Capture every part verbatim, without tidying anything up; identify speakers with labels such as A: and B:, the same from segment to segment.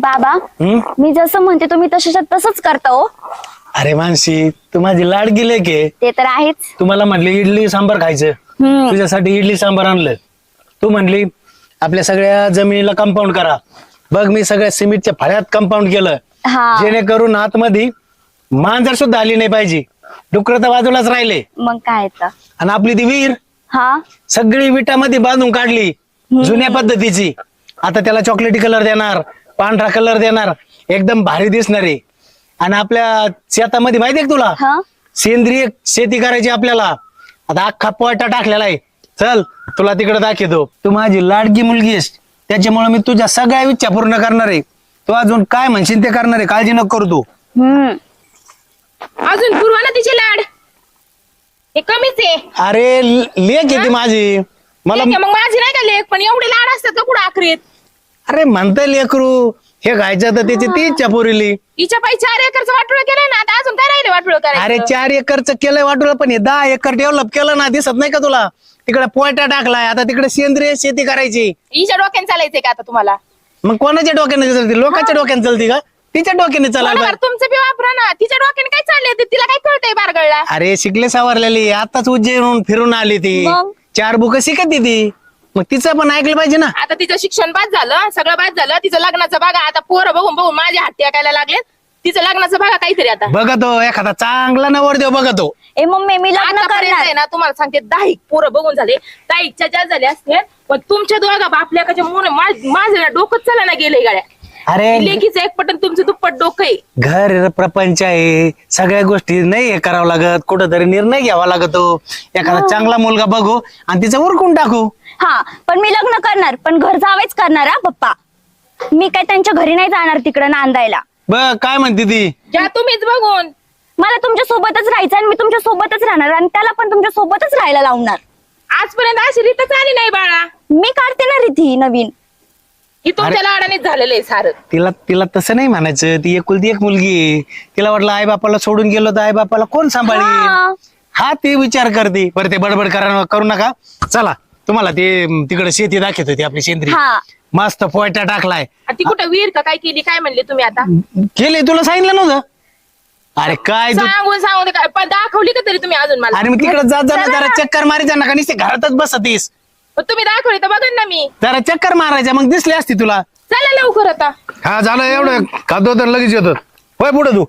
A: बाबा मी जसं म्हणते तुम्ही तशाच्या तसंच करता हो.
B: अरे मानसी तू माझी लाड गेले की
A: ते तर आहेच.
B: तुम्हाला म्हटलं इडली सांबार खायचं,
A: हम्म.
B: तुझ्यासाठी इडली सांबार आणलं. तू म्हणली आपल्या सगळ्या जमिनीला कंपाऊंड करा. बघ मी सगळ्या सिमेंटच्या फळ्यात कंपाऊंड केलं,
A: हा
B: जेणेकरून आतमध्ये मांजर सुद्धा आली नाही पाहिजे. डुकर तर बाजूलाच राहिले.
A: मग काय तर.
B: आणि आपली ती विहीर
A: हा
B: सगळी विटामध्ये बांधून काढली जुन्या पद्धतीची. आता त्याला चॉकलेटी कलर देणार, पांढरा कलर देणार, एकदम भारी दिसणार आहे. आणि आपल्या शेतामध्ये माहितीये का तुला
A: हा
B: सेंद्रिय शेती करायची आपल्याला. आता अख्खा पोयटा टाकलेला आहे. चल तुला तिकडे दाखवतो. तू माझी लाडकी मुलगी आहेस, त्याच्यामुळे मी तुझ्या सगळ्या इच्छा पूर्ण करणार आहे. तू अजून काय म्हणशील ते करणार आहे, काळजी नको करू तू.
A: हम्म
C: अजून पुरवा ना तिचे लाड, हे कमीच आहे.
B: अरे लेक येते माझी मला.
C: ठीक आहे, मग माझी नाही का लेख, पण एवढे लाड असतात का कुठं आखरीत.
B: अरे म्हणता लेकरू हे खायचं तर त्याची ती इच्छा पुरली.
C: हिच्या पायी चार एकरचं वाटोळ केलं ना, आता अजून काय राहिले वाटोळ करायचं.
B: अरे चार एकरच केलंय वाटूला, पण हे दहा एकर डेव्हलप केलं ना, दिसत नाही का तुला. तिकडे पोयटा टाकलाय, आता तिकडे सेंद्रिय शेती करायची.
C: हिच्या डोक्याने चालायचंय का आता तुम्हाला.
B: मग कोणाच्या डोक्याने चालते, लोकांच्या डोक्याने चालती का, तिच्या डोक्याने चालायला.
C: बरोबर, तुमचं बी वापरा ना. तिच्या डोक्याने काय चाललंय ते तिला काय कळतंय बारगळला.
B: अरे शिकले सावरलेली, आताच उज्जैन फिरून आली ती.
A: मग?
B: चार बुक शिकत ती, मग तिचं पण ऐकलं पाहिजे ना.
C: आता तिचं शिक्षण बाद झालं, सगळं बाद झालं. तिचं लग्नाचं बघा आता, पोरं बघून बघून माझ्या हात टेकायला लागले. तिचं लग्नाचं बघा काहीतरी आता.
B: बघतो एखादा चांगला नवरदेव बघतो.
A: ए मम्मी मी लग्न
C: आतापर्यंत
A: करणार.
C: आहे ना, तुम्हाला सांगते दहा पोरं बघून झाले, दहाच्या जास्त झाले असते. पण तुमच्या दोघा बापल्याकाच्या मुळे माझं ना डोकंच चला ना गेले गाड्या.
B: अरे
C: लेकीचं एक पटन तुमचं दुप्पट डोकं आहे.
B: घर प्रपंच आहे, सगळ्या गोष्टी नाही हे करावं लागत, कुठंतरी निर्णय घ्यावा लागतो. एखादा चांगला मुलगा बघू आणि तिचं उरकून टाकू.
A: हा पण मी लग्न करणार, पण घर जावेच करणार हा पप्पा. मी काय त्यांच्या घरी नाही जाणार तिकडं नांदायला.
B: बघ काय म्हणते ती.
C: ज्या तुम्हीच बघून.
A: मला तुमच्या सोबतच राहायचं आणि मी तुमच्या सोबतच राहणार आणि त्याला पण तुमच्या सोबतच राहायला लावणार.
C: आजपर्यंत अशी रीतच आली नाही बाळा.
A: मी काढते ना रीती नवीन.
C: ही तुमच्या लाडानेच झालेलं आहे सारं.
B: तिला तिला तसं नाही म्हणायचं, ती एकुलती एक मुलगी आहे. तिला वाटलं आई बापाला सोडून गेलो तर आई बापाला कोण सांभाळेल,
A: हा.
B: हा ते विचार करते. बरं ते बडबड करा करू नका. चला तुम्हाला ते तिकडे शेती दाखवत होती आपली सेंद्रिय.
A: हा
B: मस्त पोयटा टाकलाय.
C: आणि ती कुठं विहीर का काय केली काय म्हणले तुम्ही आता.
B: केले तुला सांगितलं नव्हतं. अरे काय तू,
C: सांगून सांगून काय पण दाखवली का तरी तुम्ही अजून मला.
B: अरे मी तिकडे जात जाणार जरा चक्कर मारायचा नका, नुसते घरातच बसतीस.
C: पण तुम्ही दाखवली तर बघा ना मी.
B: जरा चक्कर मारायच्या मग दिसली असती तुला.
C: चला लवकर आता.
B: हा झालं एवढं खातो तर लगेच येतो. होय पुढे तू.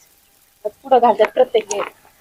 C: पुढं घालतात प्रत्येक वेळेस.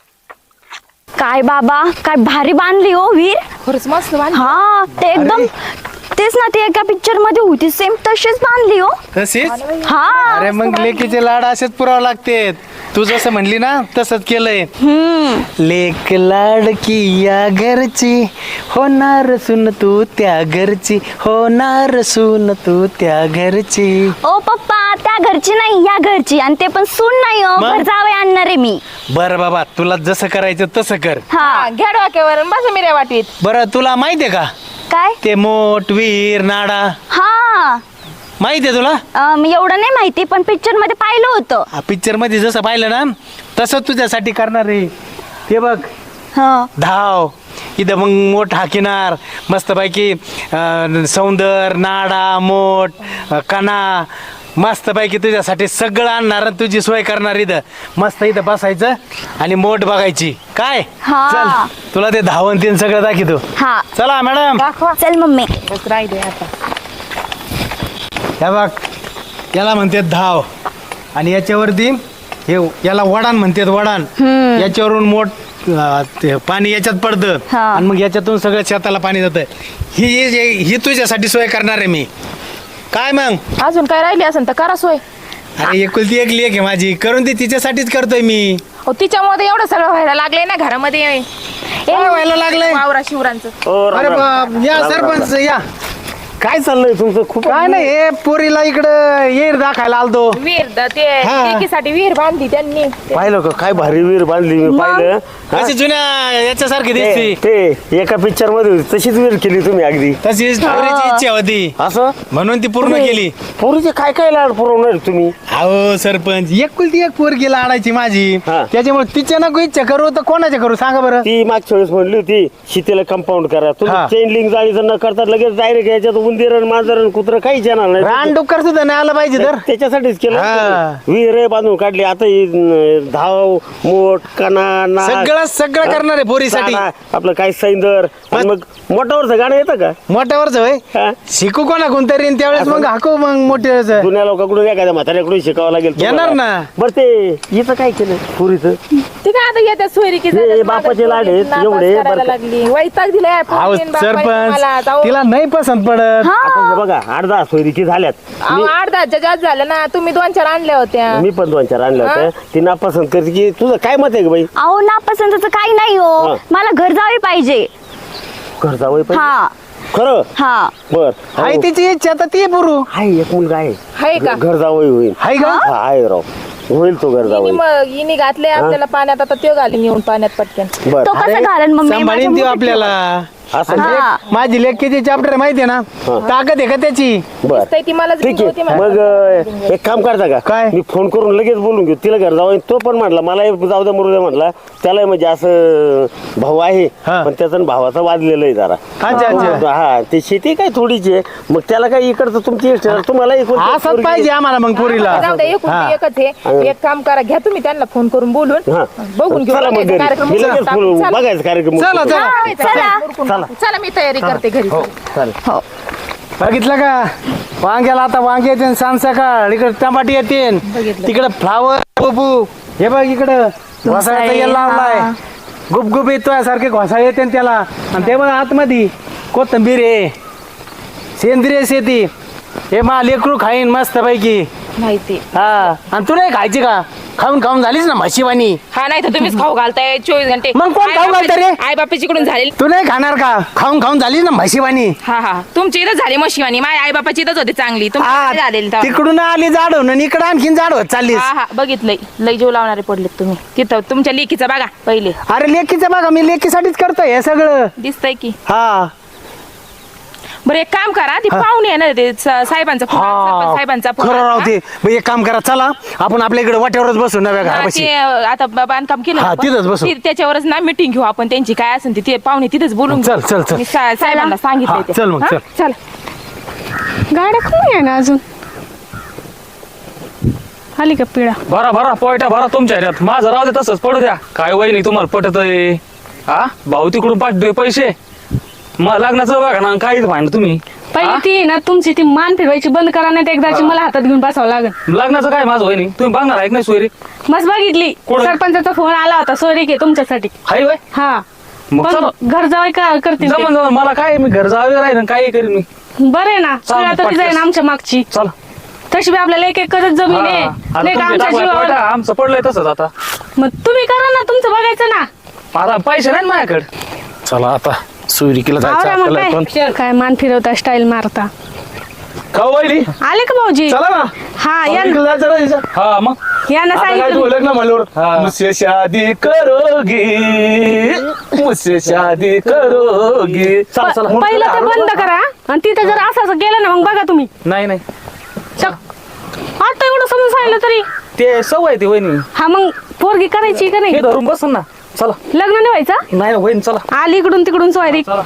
A: काय बाबा काय भारी बांधली हो विहीर.
C: खरंच मस्त बांधली.
A: हा ते एकदम तेच ना, ती एका पिक्चर मध्ये होती सेम तशीच बांधली हो.
B: तशीच.
A: हा
B: अरे मग लेकीचे लाड असेच पुरावं लागते. तू जसं म्हणली ना तसंच केलंय.
A: हम्म
B: लेक लाडकी या घरची, होणार सून तू त्या घरची, होणार सून तू त्या घरची.
A: ओ पप्पा त्या घरची नाही या घरची, आणि ते पण सून नाही हो,
B: मग?
A: घर जावे आणणार आहे मी.
B: बरं बाबा तुला जसं करायचं तसं कर.
A: हा
C: घ्या डोक्यावर बस मिऱ्या वाटीत.
B: बरं तुला माहितीये का
A: काय.
B: ते मोठ विहीर नाडा
A: हा
B: माहितीये तुला.
A: अं, एवढं नाही माहिती, पण पिक्चर मध्ये पाहिलं होतं.
B: पिक्चर मध्ये जसं पाहिलं ना तसं तुझ्यासाठी करणार आहे. ते बघ
A: हा
B: धाव इथं मग मोठ हाकिनार मस्तपैकी अं, सौंदर नाडा मोठ अं, कणा मस्तपैकी तुझ्यासाठी सगळं आणणार आणि तुझी सोय करणार. इथं मस्त इथं बसायचं आणि मोठ बघायची काय.
A: हा.
B: चल तुला ते धावण तीन सगळं दाखवतो.
A: हा
B: चला मॅडम.
C: दाखवा.
A: चल मम्मी.
C: बस राहिले आता.
B: हे बघ याला म्हणतात धाव आणि याच्यावरती हे याला वडान म्हणतात वडान.
A: हम्म.
B: याच्यावरून मोठ अं, ते पाणी याच्यात पडतं
A: हा.
B: आणि मग याच्यातून सगळं शेताला पाणी जातं. ही ही ही तुझ्यासाठी सोय करणार आहे मी. काय मग
C: अजून काय राहिली असेल तर करा सोय.
B: अरे एकुलती एक लेक आहे माझी, करून ती तिच्यासाठीच करतोय मी.
C: हो तिच्यामध्ये एवढं सगळं व्हायला लागलंय ना घरामध्ये.
B: काय व्हायला लागलंय.
C: वावरा शिवरांचं.
B: अरे बाप, या सरपंच या.
D: काय चाललंय तुमचं खूप
B: काय नाही हे पोरीला इकडं येर दाखायला आलतो.
C: विहीर द- ते
B: हा.
C: लेकीसाठी विहीर बांधली त्यांनी.
D: पाहिलं का काय भारी विहीर बांधली मी पाहिलं हा?
B: अशी जुन्या याच्यासारखी
D: ते
B: दिसती.
D: ते एका पिक्चर मध्ये होती, तशीच विहीर केली तुम्ही अगदी
B: तशीच पोरीची इच्छा होती
D: असं
B: म्हणून ती पूर्ण केली.
D: पोरीचे काय काय लाड पुरवणार तुम्ही.
B: अहो सरपंच एकुलती एक पोरगी लाडायची माझी,
D: हा.
B: त्याच्यामुळे तिच्या नको इच्छा करू तर कोणाच्या करू सांगा बरं.
D: ती मागच्या वेळेस म्हणली होती शेतीला कंपाऊंड करा, तुम्ही
B: हा.
D: चेन लिंक जाळी जर न करता लगेच डायरेक्ट याच्यात उंदीर आणि मांजर आणि कुत्र काहीच येणार नाही
B: रान डुक्कर सुद्धा नाही आलं पाहिजे तर
D: त्याच्यासाठीच केलं
B: हा.
D: विहिरे बांधून काढली आता ही, न, धाव मोठ कणा नाक,
B: सगळं सगळं करणार आहे पोरीसाठी
D: चारा, आपलं काय सैंदर आणि मग मोठावरचं गाणं येतं का
B: मोठ्यावरच होय
D: हा?
B: शिकू कोणा कोणतरी आणि त्यावेळेस मग हाकू मग मोठे
D: जुन्या लोकांकडून एखाद्या म्हाताऱ्याकडून शिकावं लागेल
B: येणार
D: तुम्हाला.
B: ना.
D: बरं ते हिचं काय केलं पुरीचं
C: ते काय आता येत्या सोयरीकी
D: हे
C: झाल्यात,
D: बापाचे
C: माझ्या
D: लाड आहेत,
C: पोरीला
D: एवढे
C: नापास करायला
D: बरं का?
C: लागली वैताग दिलाय
B: अहो
C: पोरीने बापाने मला.
B: सरपंच
C: जाऊ.
B: तिला नाही पसंत पडत
D: आता हे बघा आठ दहा सोयरीकी झाल्यात
C: अहो, आठ दहाच्या जास्त झालं ना तुम्ही दोन चार आणल्या होत्या
D: मी पण दोन चार आणल्या होत्या ती नापसंत करते की तुझं काय मत आहे का बाई
A: अहो नापसंतचं काही नाही हो
D: हा.
A: मला घर जावे पाहिजे
D: घर जावं पाहिजे
A: हा
D: खरं
A: हा
D: बर
B: आहे तिची इच्छा तर ती पुरू
D: आहे एक मुलगा आहे
C: हाय का
D: घर जावं होईल
B: आहे का
D: हा, आहे राव होईल तो घर
C: इनी
D: जावं
C: मग इनी घातले आपल्याला पाण्यात आता त्यो घालीन येऊन पाण्यात पटकन
D: बर
A: तो कसं घालन मम्मी माझ्या
B: सांभाळीन ती
A: मुठीत
B: आपल्याला
D: असं
B: आणि
A: हा.
B: एक- माझी लेख किती चॅप्टर माहितीये ना ताकद आहे का त्याची
D: बर
C: दिसतंय ती मलाच
D: ठीक
C: होती
D: आहे
C: मला.
D: मग अं, एक काम करता का
B: काय?
D: मी फोन करून लगेच बोलून घेऊ तिला घर जावं तो पण म्हटला मला जाऊ द्या मरू द्या म्हटला त्याला म्हणजे असं भाऊ आहे
B: हा.
D: पण त्याचा आणि भावाचा वाजलेलं आहे जरा
B: अच्छा अच्छा
D: हा ते शेती काय थोडीची आहे मग त्याला काय इकडचं तुमची इष्ट आहे. तुम्हाला इकडचं
B: असंच
D: पोरगी-
B: पाहिजे आम्हाला मग पुरीला
C: जाऊ द्या एकूण
B: हा.
C: ते एकच आहे एक काम करा घ्या तुम्ही त्यांना फोन करून बोलून
D: हा.
C: बघून घेऊ
D: चला मग
C: बघायचा
D: घरी.
C: कार्यक्रम
D: मी लगेच
C: चला.
D: बोलू.
C: चला.
D: बघायचं कार्यक्रम
B: चला चला
C: हा,
A: चला.
C: चला चला मी तयारी करते घरी
D: हो चालेल
A: हो
B: बघितलं का वांग्याला आता वांगे येते सांग सकाळ इकडे टमाटे येते
C: बघितलं.
B: तिकडे फ्लावर बबू हे बघ इकडं घोसाळ्याचा येल लावलाय
A: हा.
B: गुपगुप येतोय सारखे घोसाळे येते न त्याला आणि ते बघ आतमध्ये कोथंबीर आहे सेंद्रिय शेती हे मा लेकरू खाईन मस्त पैकी
C: माहिती
B: हा आणि तू नाही खायची का खाऊन खाऊन झालीच ना म्हशीवानी
C: हा नाही तर तुम्हीच खाऊ घालताय चोवीस घंटे
B: मग कोण खाऊ घालतं रे?
C: आई बापाचीकडून झाली
B: तू नाही खाणार का खाऊन खाऊन झालीच ना म्हशीवानी
C: हा हा तुमची इथं झाली मशिवानी माझ्या आई बापाची इथंच होती चांगली
B: हा,
C: तुमची झालेली तेव्हा.
B: तिकडून आली जाडवून आणि इकडं आणखीन जाडवत चाललीस
C: हा हा बघितलंय लय जीव लावणारे पडलेत तुम्ही तिथं तुमच्या लेकीचं बघा पहिले
B: अरे लेकीचं बघा मी लेकीसाठीच करतोय हे सगळं
C: दिसतंय की
B: हा
C: बरं एक काम करा ती
B: हा.
C: पाहुणे आहे ना ते स- साहेबांचा फोन आला, सरपंच साहेबांचा फोन
B: खरं
C: आला.
B: राहते मग एक काम करा चला आपण आपल्या इकडे वाट्यावरच बसू नव्या
C: हा,
B: घरापाशी
C: ते आता ब- बांधकाम केलं
B: हा,
C: ना आपण.
B: तिथंच बसू.
C: ती- त्याच्यावरच ना मिटिंग घेऊ आपण त्यांची काय असेल ती ते पाहुणे तिथेच बोलून
B: चल,
C: घेऊ.
B: चल, चल.
C: मी सा- साहेबांना
B: हा,
C: सांगितलंय ते.
B: चल मग,
C: हा?
B: चल.
C: चल
E: गाड्या कोण आहे ना अजून आली का पिढा
F: भरा भरा पोयटा भरा तुमच्या ह्याच्यात माझं राहू दे तसंच पडू द्या काय वहिनी तुम्हाला पटत आहे हा भाऊ तिकडून पाठवतोय पैसे मग लग्नाचं बघा ना काहीच भांड तुम्ही
E: पहिली
F: हा?
E: ती आहे ना तुमची ती मान फिरवायची बंद करा नाही तर एकदाची मला हातात घेऊन बसावं लागेल
F: लग्नाचं काय माझं वहिनी तुम्ही बघणार आहे का नाही सोयरी
E: मस्त बघितली
F: कोण?
E: सरपंचाचा फोन आला होता सोयरी घे तुमच्यासाठी
F: हाय वय
E: हा
F: मग चला.
E: पण घर जावं का करतील ते?
F: जमन जमन मला काय मी घर जावे राहील काही करीन मी
E: बरं आहे ना
F: चालेल,
E: तुला तरी जाईन
F: पटकन.
E: आमच्या मागची
F: चला
E: तशी बी आपल्याला एक एक करत जमीन
F: हा.
E: आहे
F: आता
E: नाही का
F: तुमचे
E: आमच्या
F: टाकलाय
E: जीवावर
F: पोयटा, आमचं पडलंय तसंच आता
E: मग तुम्ही करा ना तुमचं बघायचं ना
F: आता पैसे नाही ना माझ्याकडे चला आता सोयरीकीला
E: आवरा
F: जायचं
E: मग
F: आपल्याला
E: काय काय मान फिरवता स्टाईल मारता
F: का वहिनी
E: आले का भाऊजी
F: चला ना
E: हा या
F: सोयरीकीला जायचं ना तिचं. हा मग
E: या ना
F: आता काय
E: सांगितलं
F: तू लग्न म्हणल्यावर मुझसे शादी करोगी मुझसे शादी करोगी चला चला
E: प- पहिलं ते बंद करा आणि तिथं जर असं असं गेलं ना मग बघा तुम्ही
F: नाही नाही
E: चक आता एवढं समजून सांगितलं तरी
F: ते सवय आहे ती वहिनी
E: हा मग पोरगी करायची का नाही
F: हे धरून बसन ना चला
E: लग्न नाही व्हायचं
F: नाही ना वहिनी चला
E: आली इकडून तिकडून सोयरी
F: चला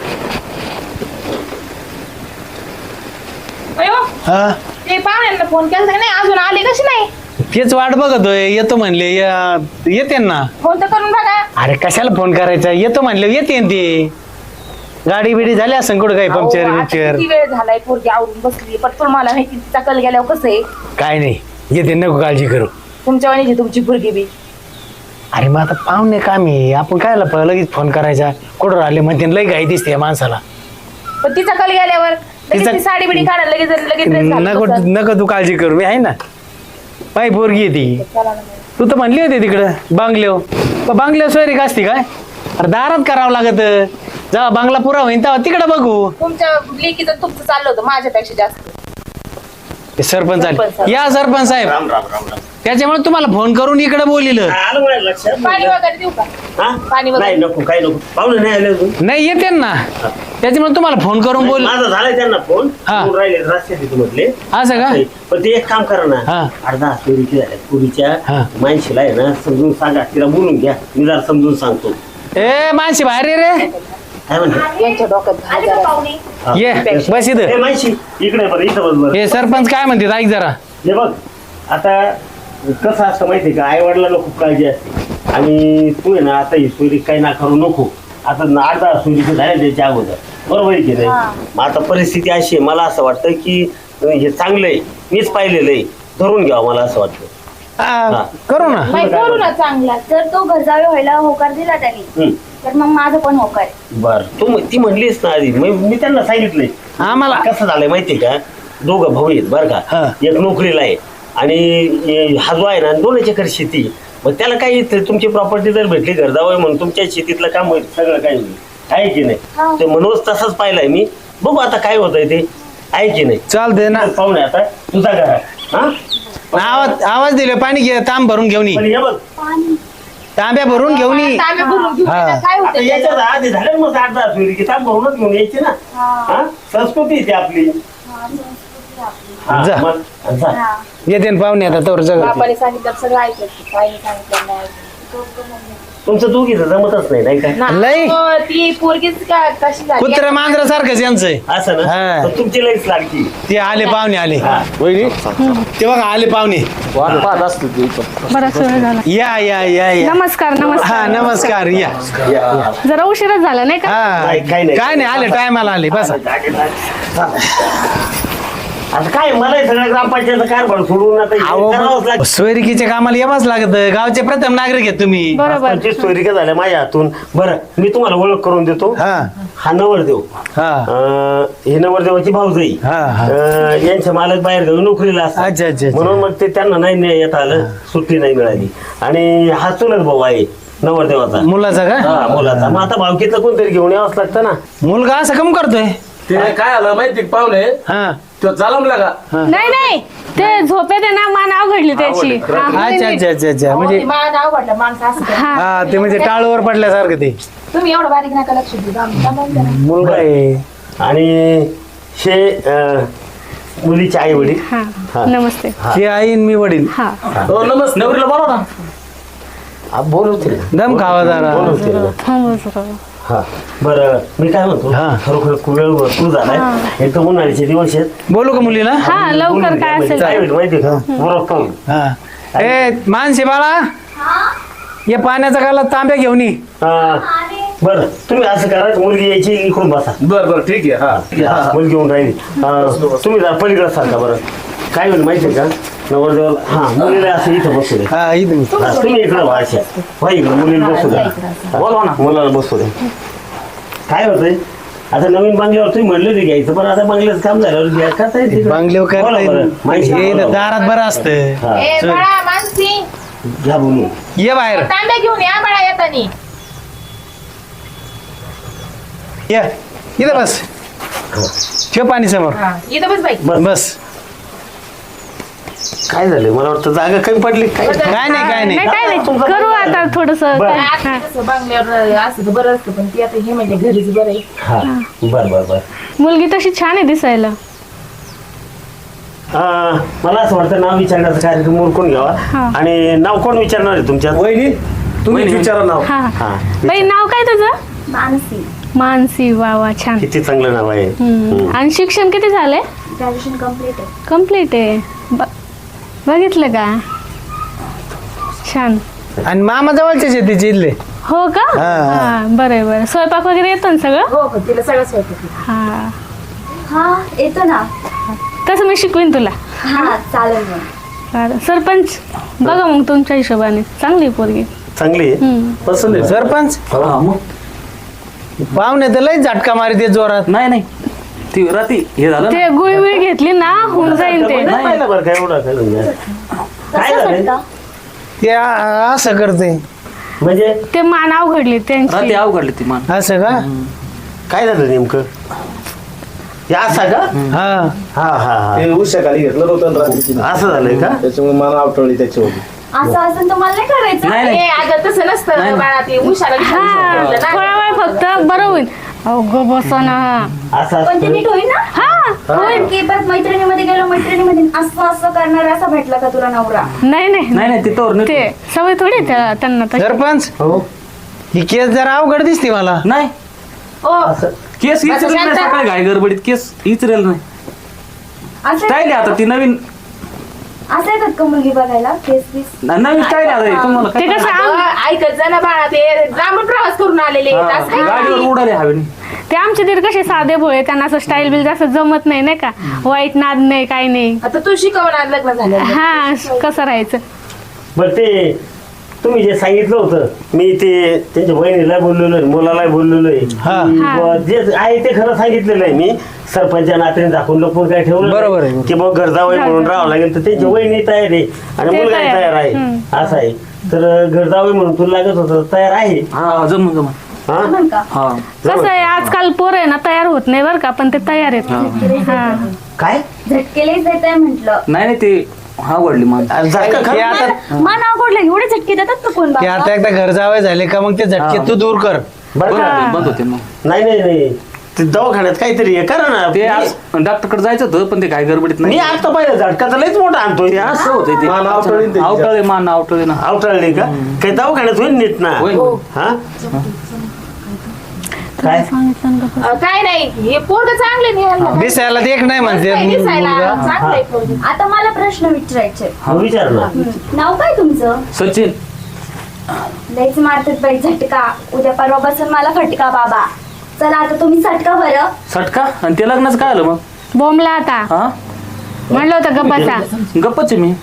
C: अयो
B: हा
C: ते पाहुण्यांना फोन केला नाही अजून आले कशी नाही
B: तेच वाट बघतोय येतो म्हणले या- येते ना
C: फोन तर करून बघा
B: अरे कशाला फोन करायचा येतो म्हणले येते ते गाडी बिडी झाली असं कुठं काही पंक्चर
C: अहो, आता
B: बिक्चर
C: किती वेळ झालाय पोरगी आवरून बसली पण तुम्हाला माहिती तिचा कल गेल्यावर कसं आहे
B: काय नाही येते नको काळजी करू
C: तुमच्या वाणीची तुमची पोरगी बी
B: अरे मग आता पाहुणे कामी आपण कायला प- लगेच फोन करायचा कुठं राहिले म्हणते लई घाई दिसते या माणसाला
C: पण तिचा कल गेल्यावर लगेच
B: तिचा-
C: ती साडी बिडी काढा लगेच लगेच dress घालून
B: नको
C: बसा.
B: नको तू काळजी करू मी आहे ना पाय पोरगी आहे ती
C: चला ना.
B: तू तर म्हणली होती तिकडं बांगलेव पण बांगलेव सोयरी का असती काय अरे दारात करावं लागत जेव्हा बांगला पुरा होईन तेव्हा तिकडं बघू
C: तुमच्या लेकीचं तुमचं चाललं होतं माझ्यापेक्षा जास्त
B: ते सरपंच
C: सरपंच
B: आले या सरपंच साहेब
D: राम राम राम राम
B: त्याच्यामुळे तुम्हाला फोन करून इकडे बोलिलं
D: आलं माझ्या लक्षात
C: पाणी वगैरे देऊ का
D: हा?
C: पाणी वगैरे?
D: नाही नको काही नको पाहुणे नाही आले अजून
B: नाही येते ना त्याच्यामुळे तुम्हाला फोन करून बोल
D: माझा झालाय त्यांना फोन
B: हा.
D: फोन राहिले रस्त्यात येतो म्हटले
B: असं का
D: पण ते एक काम करा ना
B: हा.
D: अर्धा सोयरीची झाल्या
B: हा.
D: पुरीच्या माणशीला आहे ना समजून सांगा तिला बोलून घ्या मी जरा समजून सांगतो
B: ए मानसी बाहेर ये रे
D: काय म्हणते
C: यांच्या डोक्यात घाल
A: आले का
C: जरा.
A: पाहुणे?
B: ये बस
D: ए
B: इथं.
D: माहिती इकडे बरं इथं बस बरं
B: हे सरपंच काय म्हणते ऐक जरा.
D: हे बघ आता कसं असतं माहितीये का आई वडिलांना खूप काळजी असते आणि तू आहे ना आता ही सोयरी काही ना करू नको. आता आठ दहा सोयरी झाल्या त्याच्या अगोदर बरोबर आहे की नाही. मग आता परिस्थिती अशी आहे मला असं वाटतं की हे चांगलं आहे मीच पाहिलेलं आहे धरून घ्यावं मला असं वाटतं.
B: हा, करू ना.
C: बाई, करू ना चांगला.
A: जर तो घर जावे व्हायला होकार दिला त्यांनी
D: हम्म.
A: तर मग माझं पण होकार आहे.
D: बर तू म- ती म्हणलीस ना आधी मी मी त्यांना सांगितलंय
B: आम्हाला
D: कसं झालंय माहितीये का दोघं भाऊ आहेत बरं
B: हा.
D: का एक नोकरीला आहे आणि ए, हा जो आहे ना दोन एकर शेती मग त्याला काही इथं तुमची प्रॉपर्टी जर भेटली घर जावं म्हणून तुमच्या शेतीतलं काम होईल सगळं काही होईल आहे की
A: हा.
D: नाही ते म्हणूनच तसंच पाहिलंय मी बघू आता काय होतंय ते आहे की नाही.
B: चालते ना.
D: पाहुणे आता तुझा घरा हा
B: आवाज आवाज दिले पाणी घे तांब भरून घेऊन ये.
D: पण हे बघ
B: तांब्या भरून घेऊन ये.
C: तांबे भरून घेऊन
B: हा.
C: ये. काय
D: आता
C: होतं
D: याच्यात आधी झालं मग आठ दहा सोयरी की तांब भरूनच घेऊन यायची ना हा संस्कृती आहे ती आपली हा,
B: जा.
D: मग जा.
B: येते ना पाहुणे आता तोवर जगत.
C: बापाने सांगितलं सगळं ऐकायचं ताईने सांगितलं नाही ऐकायचं.
D: तुमचं दोघीचं जमतच नाही नाही का
C: ना,
B: लई?
C: हो, ती पोरगीच का कशी झाली
B: कुत्र मांजरा सारखंच यांचं आहे.
D: असं
B: हा.
D: ना पण तुमची लईच लागती
B: ते आले पाहुणे आले
D: हा.
B: वहिनी ते बघा आले पाहुणे.
E: बराच वेळ झाला.
B: या या या या
E: नमस्कार
B: हा
E: नमस्कार
B: नमस्कार या.
E: जरा उशीरच झाला नाही का?
B: हा
D: नाही, काही नाही.
B: काय नाही आले टायमाला आले बस.
D: आता काय मला हे सगळं ग्रामपंचायत कारभार सोडून आता हे करावंच लागतं.
B: सोयरिकीच्या कामाला यावंच लागत गावचे प्रथम नागरिक आहेत तुम्ही.
E: बरोबर.
D: पंचवीस सोयरिका झाल्या माझ्या हातून बरं मी तुम्हाला ओळख करून देतो
B: हा
D: हा नवरदेव
B: हा
D: अं, हे नवरदेवाची भाऊजाई
B: हा, हा.
D: अं, यांचे मालक बाहेर गावी नोकरीला असतात
B: अच्छा, अच्छा, अच्छा.
D: म्हणून मग ते त्यांना नाही नाही येता आलं सुट्टी नाही मिळाली आणि हा चुलत भाऊ आहे नवरदेवाचा
B: मुलाचा का
D: हा मुलाचा मग आता भावकीतलं कोणतरी घेऊन यावंच लागतं ना.
B: मुलगा असं कम करतोय.
G: ते काय आलं माहिती का पाहुणे
B: हा
G: तो जालमला का
E: नाही नाही ते झोपेत आहे ना मान अवघडली त्याची हा,
B: अच्छा
E: मुलीने-
B: अच्छा अच्छा अच्छा म्हणजे
C: हो, मला नाव वाटलं माणसं असं करतात.
E: हा.
B: हा ते म्हणजे टाळूवर पडल्यासारखं ते
C: तुम्ही एवढं बारीक नका लक्ष देऊ आम्ही थांबवून द्या ना.
B: मुलगा आहे.
D: आणि हे अं, मुलीचे आई वडील
E: हा
D: हा.
E: नमस्ते
B: ते आई आणि मी वडील.
E: हा
G: हो नमस्ते नवरीला बोला ना
D: बोलवतील ना.
B: दम खावा जरा.
D: बोलवतील ना.
E: थांबव जरा.
D: हा बरं मी काय म्हणतो
B: हा.
D: खरोखर खूप वेळ भरपूर झालाय एक तर उन्हाळ्याचे दिवस आहेत
B: बोलू का मुलीला
E: हा लवकर काय असेल
D: काय
E: ते.
D: होईल माहिती का बरोबर पाहून.
B: हा ए मानसी बाळा या पाण्याचा गाला तांब्या घेऊन ये.
D: हा. बरं तुम्ही असं करा मुलगी यायची इकडून बसा
G: बर बर ठीक आहे हा
D: हा, मुलगी येऊन राहिली हा, तुम्ही जरा पलीकडे सारखा बरं काय होईल माहितीये का नवरदेवाला हा मुलीला असं इथं बसू दे
B: हा इथं
D: हा, तुम्ही इकडे व्हा अशा व्हा इकडे मुलीला बसू द्या बोलवा ना मुलाला बसू द्या काय होतंय आता नवीन बंगल्यावर तुम्ही म्हणले होते घ्यायचं पण आता बंगल्याचं काम झाल्यावर घ्या करता येईल तिकडे.
B: बांगल्यावर
D: बोला
B: करता
D: बरं.
B: येईल.
D: माहिती
B: हे
D: बोला.
B: दारात बरं असतं.
D: हा,
C: ए बाळा मानसी
D: घ्या बोलून
B: ये बाहेर
C: तांब्या घेऊन या बाळा येतानी
B: ये इथं बस ठेव पाणी समोर
C: हा इथं बस बाई
D: बस
B: बस
D: काय झालं मला वाटतं जागा कमी पडली काय
B: काय नाही काय
E: नाही
B: नाही
E: काय नाही करू आता थोडस
D: बरं.
C: आता कसं बांगल्यावर असं तर बरं असतं पण ती आता हे म्हणजे घरीच बरं आहे
D: हा बर बर बर
E: मुलगी तशी छान आहे दिसायला.
D: अं, मला असं वाटतं नाव विचारण्याचा कार्यक्रम उरकून घ्यावा
E: हा.
D: आणि नाव कोण विचारणार आहे तुमच्यात
G: वहिनी तुम्ही विचारा नाव
E: हा
D: हा
E: बाई नाव काय तुझं?
A: मानसी
E: मानसी वा वा छान.
D: किती चांगलं नाव आहे
E: हम्म. आणि शिक्षण किती झालंय?
A: ग्रॅज्युएशन कम्प्लीट आहे.
E: कम्प्लीट आहे ब- बघितलं का छान.
B: आणि मामा जवळचेच आहे तिचे इथले.
E: हो का
B: हा.
E: हा बरं आहे, बरं. स्वयंपाक वगैरे येतो ना सगळं?
C: हो हो तिला सगळं स्वयंपाक येतं.
E: हा
A: हा येतो ना.
E: तसं मी शिकवीन तुला.
A: हा चालेल मग.
E: चालेल. सरपंच बघा मग तुमच्या हिशोबाने चांगली आहे पोरगी.
D: चांगली आहे
E: हम्म.
G: पसंत आहे
B: सरपंच
G: हा, मग
B: पाहुणे तर लई झटका मारते जोरात.
F: नाही नाही ती राती हे झालं ना
E: ते गुळी विळी घेतली ना होऊन जाईल ते.
D: नाही पाहिलं बरं काय एवढं काय म्हणजे. काय
A: कसं
D: झालं
A: झटका?
B: ते आ- असं करते
D: म्हणजे
E: ते मान अवघडली
F: राती
E: त्यांची.
F: अवघडली ती मान
B: असं का
D: काय झालं नेमकं हे असं का
B: हा
D: हा हा हा
G: ते उशा खाली घेतलं होतं ना रात्री.
D: असं झालंय का
G: त्याच्यामुळे मला आवटवली त्याच्यावरती
A: असं असं तुम्हाला नाही करायचं.
F: नाही
C: ए
F: नाही
C: अगं तसं नसतं बाळा ते उशाला
E: हा थोडा वेळ फक्त बरं होईल. अहो ग बसा ना.
D: असं
A: पण ते
D: असतं
A: नीट होईल ना.
E: हा
A: होईल की परत मैत्रिणीमध्ये गेलो मैत्रिणीमध्ये असं असं करणार असा भेटला का तुला नवरा?
E: नाही नाही
F: नाही नाही ती तोर
E: ते सवय थोडी त्या- त्यांना तशी.
B: सरपंच
D: हो
B: ही केस जरा अवघड दिसते मला.
F: नाही
C: ओ
F: केस
C: बसा
F: इचरेल नाही
C: शांत.
F: सकाळी घाई गडबडीत केस इचरेल नाही
A: असं
F: स्टाईल आहे आता ती नवीन
A: असं येतात का मुलगी बघायला केस बीस
F: नवीन स्टाईल आहे आता तुम्हाला
E: ते
F: काय-
E: कसं आम-
C: अगं, ऐकत जा ना बाळा ते लांबून प्रवास करून आलेले आहेत. असं
F: हा,
C: काय
F: गाडीवर
C: करते?
F: उडाले हवेने
E: ते आमचे दीर कसे साधे भोळे त्यांना असं स्टाईल बिल जास्त जमत नाही नाही का वाईट नाद नाही काही नाही
C: आता तू शिकवणार लग्न झालं
E: हा कसं राहायचं
D: बरं ते तुम्ही जे सांगितलं होतं मी ते त्यांच्या बहिणीला बोललेलो आहे मुलाला बोललेलो आहे
B: हा.
D: की
E: हा.
D: बुवा जे आहे ते खरं सांगितलेलं आहे मी सरपंचा नात्याने दाखवून लपून काय ठेवलं
B: बरोबर
D: नाही.
B: आहे.
D: की मग घरजावई म्हणून राहावं लागेल तर त्यांची वहिनी तयार आहे आणि
E: ते
D: मुलगा
E: तयार.
D: तयार आहे
E: हम्म.
D: असं आहे तर घरजावई म्हणून तुला लागत होतं तयार आहे
F: हा जमून जमून
D: हा
A: म्हणून का
F: हा
E: कसं आहे आजकाल पोरं आहे ना तयार होत नाही बरं का पण ते तयार आहेत हा
D: काय
A: झटकेलेच देत आहे म्हंटल
F: नाही नाही ते हा वडली मान
D: झटका
B: ते
D: खरं?
B: आता
A: मन आवडलं एवढे झटके देतात तर कोण
B: ते
A: बाबा
B: आता एकदा घर जावे झाले का मग ते झटके तू दूर कर
D: बरं
F: बंद
D: का?
F: होते बंद होते मग
D: नाही नाही नाही ते दवाखान्यात काहीतरी आहे करा ना
F: ते आज डॉक्टरकडे जायचं होतं पण ते काय गडबडीत
D: मी
F: नाही
D: आता पाहिलं झटका तर लयच मोठा आणतोय
F: ते असं होतंय ते
D: मान आवटळीन त्याची.
F: आवटळे मान आवटळे ना
D: आवटाळले का काही दवाखान्यात होईल नीट ना
F: होईल.
D: हा काय
C: अं, काय नाही हे पोरग चांगले निघालं
B: दिसायला देख नाही म्हणते
C: दिसायला
B: मुलगा.
C: चांगलं आहे पोरगं.
A: आता मला प्रश्न विचारायचे
D: मग विचार ना
A: नाव काय तुमचं
F: सचिन
A: लयच मारतात बाई झटका उद्या परवा बसून मला फटका बाबा चला आता तुम्ही सटका बरं
F: सटका आणि ते लग्नाचं काय आलं मग
E: बोंबला आता
F: हा
E: म्हणलं होतं गप्पाचा
F: गप्पच आहे मी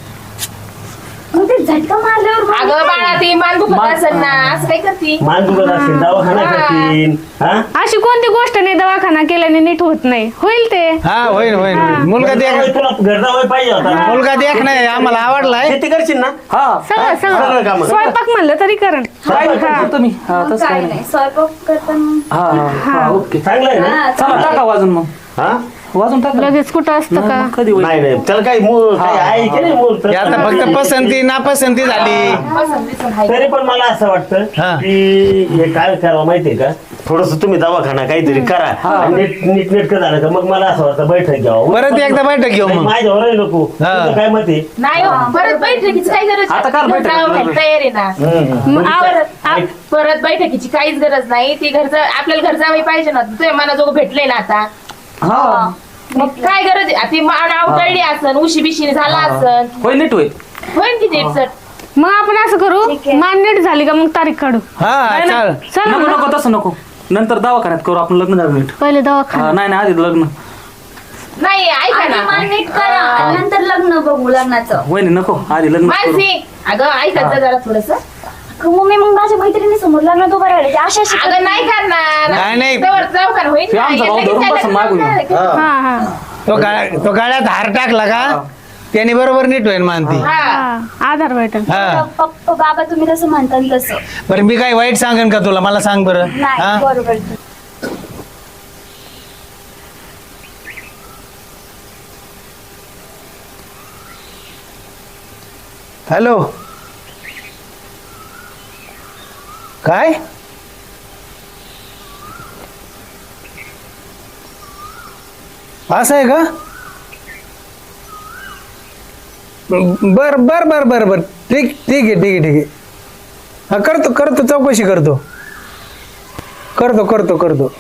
A: मग ते झटका मारल्यावर मग
C: अगं
A: काय?
C: बाळा ती मान दुखत
F: मान-
C: असेल ना असं काय करती
D: मान दुखत असतील दवाखाना
C: हा.
D: करतील हा
E: अशी कोणती गोष्ट नाही दवाखाना केल्याने नीट होत नाही होईल ते
B: हा होईल होईल होईल. मुलगा
D: घरजावई
B: देख
D: तुला घरजावई पाहिजे होता ना.
B: मुलगा देख नाही आम्हाला आवडलाय
D: शेती करशील ना
F: हा
E: सगळं
D: सगळं
E: सगळं
D: कामं.
E: स्वयंपाक म्हणलं तरी करण
F: काय करतो मी हा
A: मग
F: तसं
A: काय
F: काय
A: नाही
F: नाही
A: स्वयंपाक करताना
F: हा हा, हा ओके
D: चांगलं आहे ना
A: हा,
F: चला
A: चालेल.
F: टाका वाजून मग
D: हा
F: वाजून टाका
E: लगेच कुठं असतं का
F: मग कधी होईल
D: नाही नाही त्याला काही मूळ काही आहे की नाही मूळ
B: हे आता फक्त पसंती नापसंती झाली
C: पसंत बिसंत आहे.
D: तरी पण मला असं वाटतं
B: हा.
D: की हे काय करावं माहितीये का थोडस तुम्ही दवाखाना काहीतरी करा आणि नीट नीट नेटकं झालं का मग मला असं वाटतं बैठक घ्यावं
B: परत एकदा बैठक घेऊ
D: नाही,
B: मग
D: माझ्यावर नको
B: हा.
D: तुझं काय मत आहे
C: नाही हो, परत बैठकीची काही गरज
F: आता काल बैठक
C: जावं
F: करणार.
C: तयार आहे ना
D: हम्म.
E: मग आव-
C: परत आ- परत बैठकीची काहीच गरज नाही ती घरचं आपल्याला घर जावं पाहिजे ना तुझ्या मनाजोगं भेटले ना आता
F: हा
C: मग काय गरज आहे ती मान अवतळली असन उशी बिशी झाला असन
F: होईल नीट होईल
C: होईल की नीट सर
E: मग आपण असं करू
A: ठीक आहे.
E: मान नीट झाली का मग तारीख काढू
B: हा
F: नाही,
B: चाल
F: नाही.
E: चला
F: नको
E: ना.
F: नको तसं नको नंतर दवाखान्यात करू आपण लग्न झालं नीट
E: पहिले
F: हा,
E: दवाखाना
F: नाही नाही आधी लग्न
C: नाही ऐका
A: आधी
C: ना
A: मान नीट करा आणि नंतर लग्न बघू लग्नाचं
F: वहिनी नको आधी लग्न करू
C: मानसी अगं ऐकत जा जरा थोडस
A: अगं, मग मी मग माझ्या मैत्रिणी समोर लग्न तो बरं अशा अशा
C: अगं नाही करणार
B: नाही, नाही.
C: जवळ जाऊ का होईल
F: ते
C: ना.
F: आमचा भाऊ
C: लगेच
F: धरून
C: काय
F: बसून
C: लग्न
F: मागून
C: करणार आहे का?
E: हा हा
B: तो गाळ्या तो गाळ्यात हार टाकला का त्याने बरोबर नीट होईल मानती
C: हा
E: हा आधार भेटेल
B: हा
A: पप्पा बाबा तुम्ही कसं म्हणता तसं
B: बरं मी काय वाईट सांगेन का तुला मला सांग बरं
A: नाही
B: हा
A: बरोबर
B: हॅलो काय असं आहे का बर बर बर बर बर ठीक ठीक आहे ठीक आहे ठीक आहे हा करतो करतो चौकशी करतो करतो करतो करतो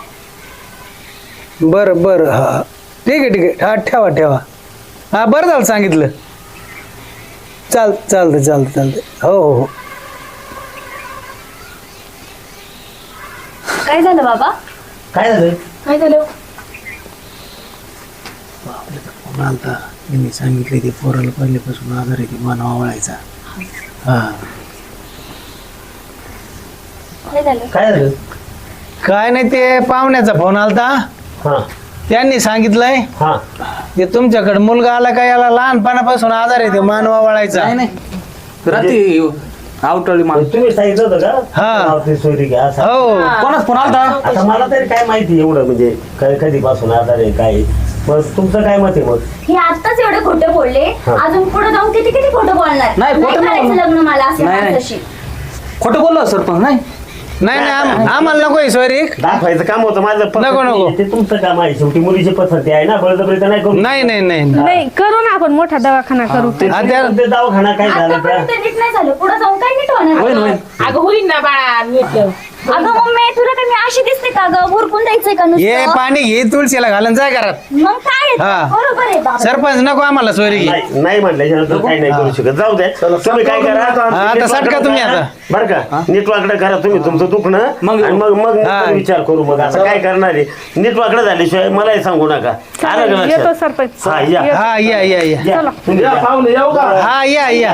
B: बरं बरं हा ठीक आहे ठीक आहे हा ठेवा ठेवा हा बरं झालं सांगितलं चाल चालतं चालतं चालतं हो हो हो
A: काय झालं बाबा
D: काय झालं
C: काय झालं
B: आता मी सांगितले ते पोराला पहिल्यापासून आजार आहे की मानवा वळायचा हा
A: काय झालं
D: काय झालं
B: काय नाही ते पाहुण्याचा फोन आलता
D: हा
B: त्यांनी सांगितलंय
D: हा
B: ते तुमच्याकडे मुलगा आला का याला लहानपणापासून आजार आहे ते मानवा वळायचा
F: नाही नाही रात्री आवटळी मान
D: तुम्ही सांगितलं होतं का
B: हा.
D: गावातली सोयरी घ्या असं.
B: हो
F: कोणाच फोन आलता
D: आता मला तरी काय माहिती एवढं म्हणजे काय कधीपासून आजार आहे काय मग तुमचं काय मत आहे मग
A: हे आत्ताच एवढे खोटे बोलले
D: हा.
A: अजून पुढे जाऊन किती किती खोटं बोलणार
F: नाही, खोटं नाही
A: करायचं
F: बोलणार.
A: लग्न मला असं
F: नाही, नाही.
A: माणसाशी.
F: खोटं बोललो सरपंच नाही
B: नाही नाही आम- आम्हाला नको आहे सोयरी
D: दाखवायचं काम होतं माझं पसंती
B: नको, नको.
D: आहे. ते तुमचं काम आहे शेवटी मुलीची पसंती आहे ना बळजबरी तर नाही करू
B: नाही नाही नाही
E: नाही करू ना आपण मोठा दवाखाना करू
D: ते
B: हा, त्या-
D: ते दवाखाना काय झालं त्या
A: आतापर्यंत नीट नाही झालं पुढे जाऊन काय नीट होणार
F: होईल होईल
C: अगं होईल ना बाळा नीट
A: अगं मम्मी तुला काय मी अशी दिसते का ग उरकून द्यायचंय का
B: ये
A: नुसतं
B: पाणी घे तुळशीला घालून जाय घरात
A: मग काय आहे?
B: हा.
A: बरोबर आहे बाबा
B: सरपंच नको आम्हाला सोयरी घे
D: नाही नाही म्हटल्याच्यानंतर काही नाही करू शकत जाऊ द्या तुम्ही काय करा
B: हा, आता सटका तुम्ही आता.
D: बरं का नीट वाकडं करा तुम्ही तुमचं दुखणं
F: मग-
D: आणि मग मग
B: हा.
D: नंतर विचार करू मग आता काय करणार आहे नीट वाकडं झाल्याशिवाय मलाही सांगू नका आलं का
E: चालेल, येतो
D: लक्षात?
E: सरपंच
D: हा या
B: हा या या या
D: या. तुम्ही या.
B: हा या या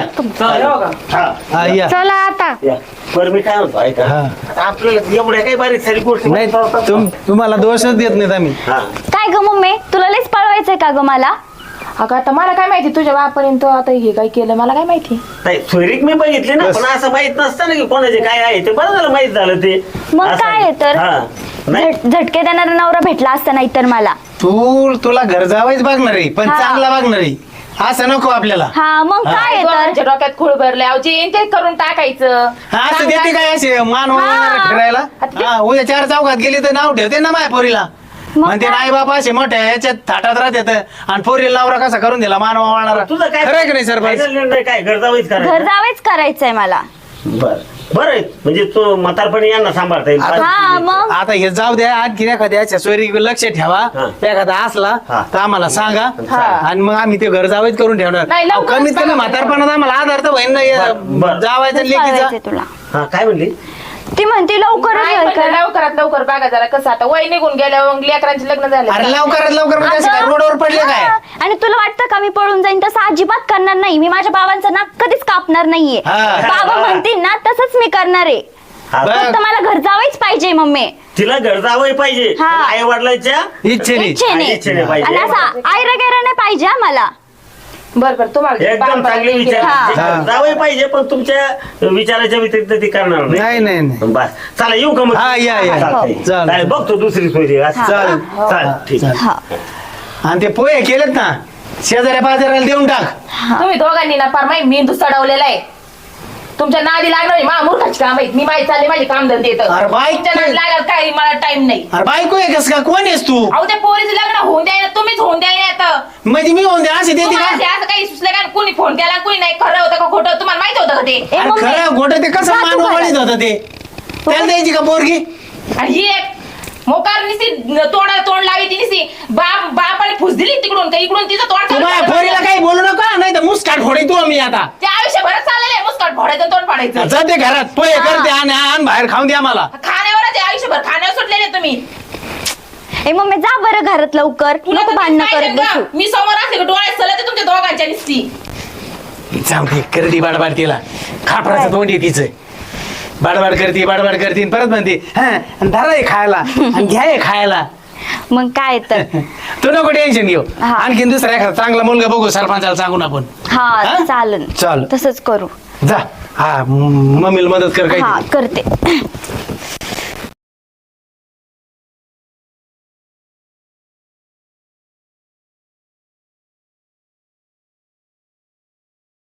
D: हा
B: हा या
E: चला आता
D: या. बरं मी काय म्हणतो ऐका
B: हा.
D: आता आपल्याला एवढ्या काही बारीक सारी गोष्टी
B: नाही
D: माहित नव्हत्या.
B: तुम तुम्हाला दोषच देत नाहीत आम्ही
D: हा
A: काय ग मम्मी तुला लयच पळवायचंय का ग मला
C: अगं आता मला काय माहिती तुझ्या बापाने आता हे काय केलं मला काय माहिती
D: नाही सोयरीक मी बघितली ना
B: बस.
D: पण असं माहित नसतं ना की कोणाचे काय आहे ते बरं झालं माहित झालं ते
A: मग
D: असं.
A: काय आहे तर?
D: हा नाही
A: झट- झटके देणारा नवरा भेटला असता नाही तर मला
B: तू तुला घर जावायच बघणार आहे पण
A: हा.
B: चांगला बघणार आहे असं नको आपल्याला
A: हा मग काय आहे तर
C: दोघांच्या डोक्यात खूळ भरले अहो जे येईन ते करून टाकायचं
B: हा, असं देते काय असे मान
A: हा.
B: वळवणारा फिरायला
C: आता-
B: हा, उद्या चार चौकात गेली तर नाव ठेवते ना माझ्या पोरीला
A: मग
B: म्हणते
A: काय?
B: नाही बाबा असे मोठ्या याच्यात थाटात राहतात आणि पोरीला नवरा कसा करून दिला मान वळणारा
D: तुझं काय
B: खरं आहे की नाही सरपंच
D: final निर्णय काय घर जावंच
A: घर
D: करायचं
A: जावेच करायचंय मला
D: बर बरं आहे. म्हणजे तो म्हातारपणी यांना सांभाळता येईल
A: हा मग
B: आता हे जाऊ द्या आणखी एखाद्या सोयरी लक्ष ठेवा
D: हा.
B: एखादा असला
D: हा.
B: तर आम्हाला सांगा
D: हा.
B: आणि मग आम्ही ते घर जावेच करून ठेवणार
C: नाही,
B: अहो,
C: लवकरच
B: कमीत कमी
C: सांगा.
B: म्हातारपणात आम्हाला आधार तर होईन
D: बरं, बरं.
B: ना जावायचं
A: लयच
B: लेकीचा
A: पळवायचंय तुला
D: हा काय म्हणली
A: ती म्हणती लवकरच
C: नाही
A: घर
C: म्हणलं,
A: कर.
C: लवकरात लवकर बघा जरा कसं आता वय निघून गेल्यावर मग लेकरांचे लग्न झाले
B: अरे लवकरात लवकर म्हणजे असं काय
A: अगं,
B: रोडवर पडले काय
A: हा. आणि तुला वाटतं का मी पळून जाईन तसं अजिबात करणार नाही मी माझ्या बाबांचं नाक कधीच कापणार नाहीये
B: हा.
A: बाबा म्हणतील ना तसंच मी करणार आहे
D: हा,
B: बरं.
A: फक्त मला घर जावंच पाहिजे मम्मी
D: तिला घर जावं पाहिजे
A: हा.
D: आई वडिलांच्या
B: इच्छेने
A: इच्छेने
D: इच्छेने पाहिजे.
A: आणि असं आयरा गैरा नाही पाहिजे हा मला
C: बरं बरं तुम्हाला
D: एकदम चांगले विचार
A: हा.
D: जे जावं पाहिजे पण तुमच्या विचाराच्या व्यतिरिक्त ती करणार
B: नाही नाही नाही
D: बस चला येऊ का मग
B: हा, या, या.
D: चालतंय.
B: चालेल.
D: चालेल, बघतो दुसरी सोयरी असं.
B: चालेल.
D: चालेल ठीक आहे.
A: हा
B: आणि ते पोहे केलेत ना शेजाऱ्या पाजाऱ्याला देऊन टाक
C: तुम्ही दोघांनी ना फार माहिती मेंदू चढवलेला आहे तुमच्या नादी लागणार मा मूर्खाची काम आहेत मी माहिती चालले माझे काम धंदे येतं
B: अरे बाई,
C: तुमच्या नादी लागाल काय मला टाइम नाही
B: अरे बायको आहे कस का कोण आहेस तू
C: अहो त्या पोरीचं लग्न होऊन द्यायला तुम्हीच होऊन द्यायला येतं
B: म्हणजे मी होऊन दे असे देते
C: तुम्हाला ते
B: का
C: असं काही सुचलं का कुणी फोन केला कुणी नाही खरं होतं का खोटं तुम्हाला माहित होतं का ते
A: ए,
B: अरे
A: मम्मी,
B: खरं गोट ते कसं
A: जा तू
B: मान
A: घरात.
B: वळीत होतं ते त्याला द्यायची का पोरगी
C: आणि ही एक मोकार निसी तोंड तोंड लावी ती निसी बाप बापाने फुस दिली तिकडून का इकडून तिचं तोंड
B: तू माझ्या पोरीला काही बोलू नका नाही तर मुस्काट फोडी तू मी आता
C: ते आयुष्यभरात चाललेलं आहे मुस्काट फोडायचं तोंड फाडायचं
B: जाते घरात पोहे करते आणि आण बाहेर खाऊन द्या मला
C: खाण्यावरच आहे आयुष्यभर खाण्यावर सुटलेले तुम्ही
A: ए मम्मी जा बरं घरात लवकर
C: तुला
A: नको
C: तर
A: भांडणं
C: काय
A: करत
C: सांगा?
A: बसू
C: मी समोर असले का डोळ्यात सलत तुमच्या दोघांच्या निसती
B: जाऊ दे करती बाडबाड तिला खापराचं तोंड आहे तिचं बाडबाड करते बाडबाड करते आणि परत म्हणते हा आणि धरा हे खायला आणि घ्या हे खायला
A: मग काय तर
B: तू नको टेन्शन घेऊ
A: हा.
B: आणखीन दुसरा एखादा चांगला मुलगा बघू सरपंचाला सांगून आपण
A: हा
B: हा?
A: चालन
B: चाल.
A: तसंच करू
B: जा हा म- मम्मीला मदत कर
A: हा
B: काही
A: करते